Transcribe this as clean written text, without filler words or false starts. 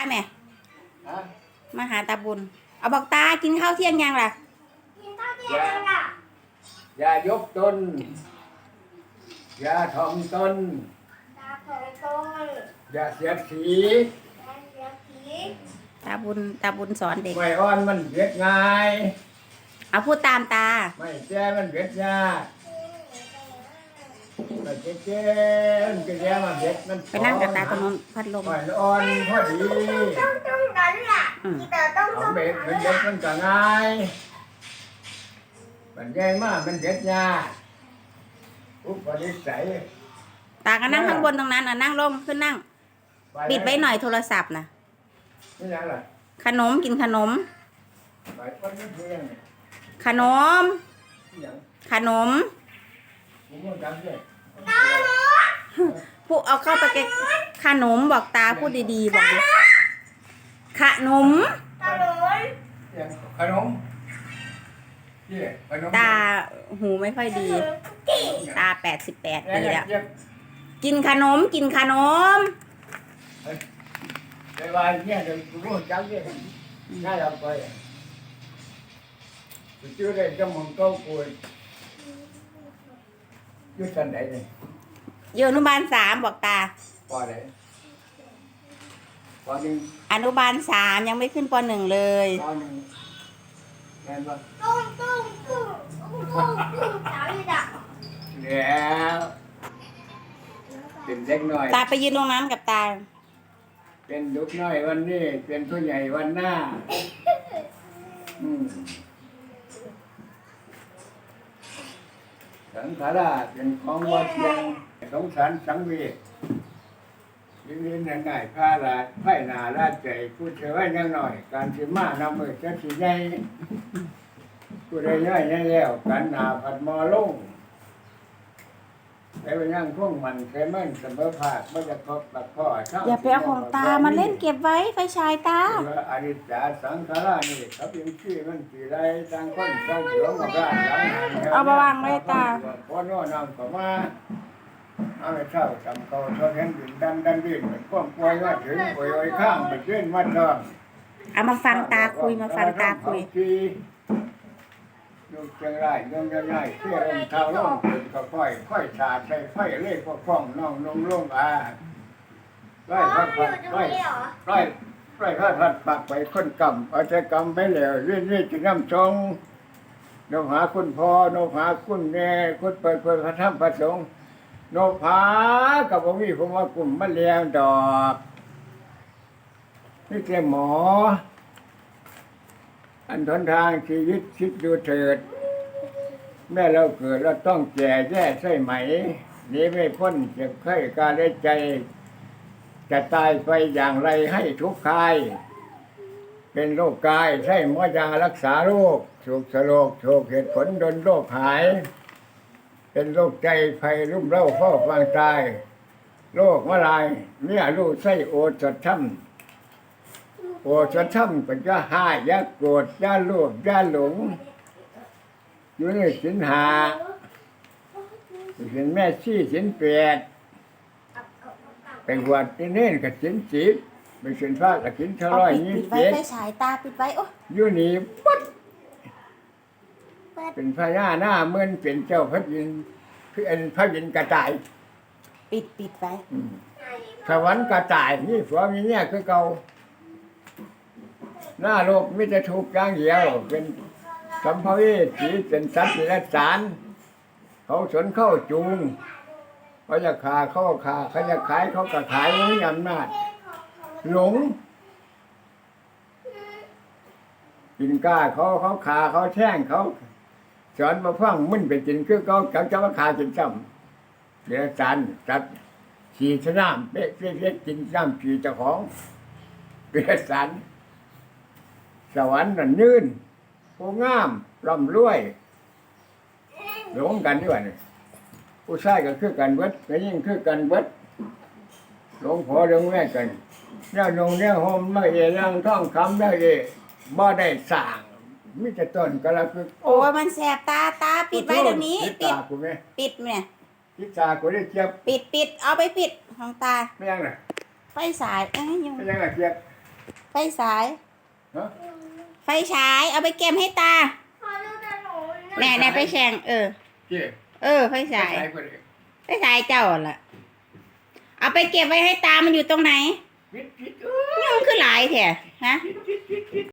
แม่ฮะมาหาตาบุญเอาบอกตากินข้าวเที่ยงยังล่ะกินข้าวเที่ยงยังล่ะอย่ายกตนอย่าถ่อมตนตาของต้นอย่าเสียดสีแอนเดียผีตาบุญสอนเด็กไม่อ่อนมันเบียดง่ายเอาพูดตามตาไม่แก่มันเบียดยากไม่แก่มันก็แย่มาเบียดมันไปนั่งกับตาตรงนู้นพัดลมไม่อ่อนพอดีต้องนั้นล่ะที่เต๋อต้องเอาเบ็ดมันเบียดมันก็ง่ายมันใหญ่มากมันเบียดยากอุปนิสัยตาก็นั่งข้างบนตรงนั้นนั่งลงขึ้นนั่งปิดไว้หน่อยโทรศัพท์นะนี่ยังล่ะขนมกินขนมไปคนนี้เพื่อนขนมนี่ยังขนมผมก็จำได้พูดเอาเข้าไปขนมบอกตาพูดดีๆบอกขนมตาหนุนยังขนมนี่ขนมตาหูไม่ค่อยดี ตา88 ปีแล้ว กินขนมกินขนมไปว่าเนี่ยเดี๋ยวกูรู้จักเนี่ยง่ายเอาไปกูชื่อได้จมูกก็กูอยู่ชั้นไหนเนี่ยอยู่อนุบาล3บอกตาปอไหนปอหนึ่งอนุบาล3ยังไม่ขึ้นป1เลยปอหนึ่งแม่นปะตุ้งตุ้งตุ้งตุ้งตุ้งตุ้งสาวอีด่ะแล้วเป็นเด็กน้อยตาไปยืนตรงนั้นกับตาเป็นลูกน้อยวันนี้เป็นผู้ใหญ่วันหน้าสังขาราเป็นของวัดยังสงสารสังเวชยืนง่ายๆพาลาไผ่นาลาใจพูดเฉยยังหน่อย การสิมานำมือจะสิใหญ่ผู้ใดย่อยแล้วการนาผัดมอลงไปยังพวกมันเคยมั่นเสมอภาคไม่จะครบแบบพ่ออย่าไปเอาของตามาเล่นเก็บไว้ไฟฉายตาอริจาสังขารานี่เขาเป็นชื่อมันสีไรต่างคนต่างเสือกับร้านหลังหันเอามาวางไว้ตาพ่อโน่นำก็มาเอาไปเช่าจำเขาเท่านั้นดินดันดินเหมือนก้มป่วยว่าถึงป่วยข้ามไปเชื่อมันเนาะเอามาฟังตาคุยมาฟังตาคุยยกเชียงรายยกยังไงเที่ยวลงเท้าลงเป็นก็ค่อยชาใส่ไฟเล่ก็คล้องน้องลงไล่พัดไล่พัดปักไปคนกำเอาใจกำไปแล้วเรื่อยจะน้ำชงนกหาคุณพ่อนกหาคุณแม่คุณเปิดพระธรรมพระสงฆ์นกหากับพระวิผมว่ากลุ่มมะเร็งดอกนี่แค่หมออันทนทางชีวิตคิดดูเถิดแม่เราเกิดเราต้องแก่แย่ใช่ไหมนี้ไม่พ้นเจ็บไข้การได้ใจจะตายไปอย่างไรให้ทุกข์กายเป็นโรคกายใช่หมอยารักษาโรคถูกสโลกถูกเหตุผลดนโรคหายเป็นโรคใจภัยรุ่มเร่าเฝ้าฟังตายโรคมะลายเมียลูกไส้โอดสดช่ำโอดสดช่ำก็จะหายยาโกรธยาโลภยาหลงอยู่ในศีลห้าศีลแม่ชี้ศีล8ไปหวดที่เน้นกับศีล10ไปศีลฟ้ากับศีลเอาปิดไว้ไฟฉายตาปิดไว้โอ้อยู่นี่ปุ๊บเป็นพญาหน้าเมื่อนเป็นเจ้าพระยินทร์เป็นพระยินทร์กระต่ายปิดไว้สวรรค์กระต่ายนี่ผัวมีเนี่ยคือเก่าหน้าโลกมิจะถูกอย่างเดียวเป็นสัมภเวสีเป็นสัตว์และสารเขาสนเข้าจูงเขาจะขาเขาขาเขาจะขายเขาก็ขายไม่มีอำนาจหลงกินกล้าเขาขาเขาแช่งเขาสอนมาฟังมึนไปกินคือเขาจะมาขากินซ้ำเดี๋ยวสารจัดฉีดน้ำเป๊ะกินน้ำฉีดเจ้าของเดี๋ยวสารสวรรค์นั่นยืนผู้งามร่ำรวยหลงกันด้วยนี่ผู้ชายก็คือกันเบิดก็ยิ่งคือกันเบิดหลงพ่อหลงแม่กันเนี่ยนงเนี่ยโฮมไม่เอรังท่องคำได้เอบ่ได้สร้างมิจะต้นกระพึกโอ้มันแสบตาปิดไว้เดี๋ยวนี้ปิดเนี่ยทิศากูได้เจี๊ยบปิดเอาไปปิดของตาไม่ยังน่ะไฟฉายยังไม่ยังน่ะเจี๊ยบไฟฉายฮะไฟฉาย เอาไปเก็บให้ตาขอดูแต่หนูแน่ไปแข่งเจ๊ไฟฉายไปบ่ได้ไฟฉายเจ้าล่ะ เอาไปเก็บไว้ให้ตา มันอยู่ตรงไหนปิดนี่มันคือหลายแท้ฮะปิด